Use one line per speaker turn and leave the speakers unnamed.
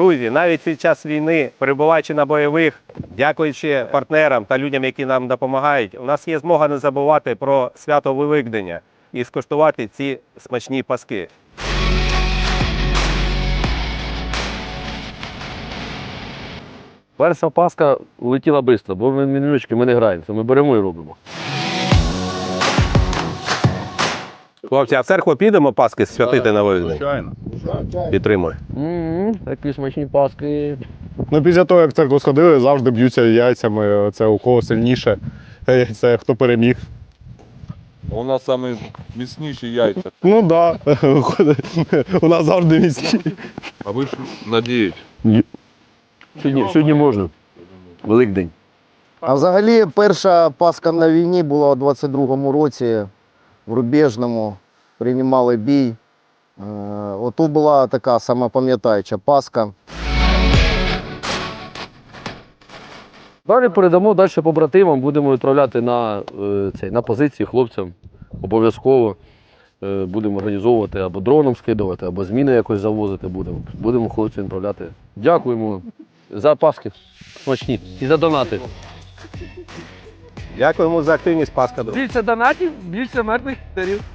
Друзі, навіть під час війни, перебуваючи на бойових, дякуючи партнерам та людям, які нам допомагають, у нас є змога не забувати про свято Великдення і скуштувати ці смачні паски.
Перша паска улетіла швидко, бо ми мінімічки ми не граємося, ми беремо і робимо.
Хлопці, а в церкву підемо паски святити на Великдень?
Звичайно.
Підтримую.
Такі смачні паски.
Ну, після того, як в церкву сходили, завжди б'ються яйцями. Це у кого сильніше, це хто переміг.
У нас самі міцніші яйця.
Ну так, да. У нас завжди міцні.
А ви ж надіють.
Сьогодні можна. Великдень.
А взагалі перша Пасха на війні була у 22-му році в Рубежному, приймали бій. Отут була така сама пам'ятаюча Пасха.
Далі передамо далі побратимам, будемо відправляти на позиції хлопцям. Обов'язково будемо організовувати або дроном скидувати, або зміни якось завозити будемо. Будемо хлопцям відправляти. Дякуємо за паски смачні і за донати.
Дякуємо за активність, Паска.
Більше донатів, більше мертвих тарів.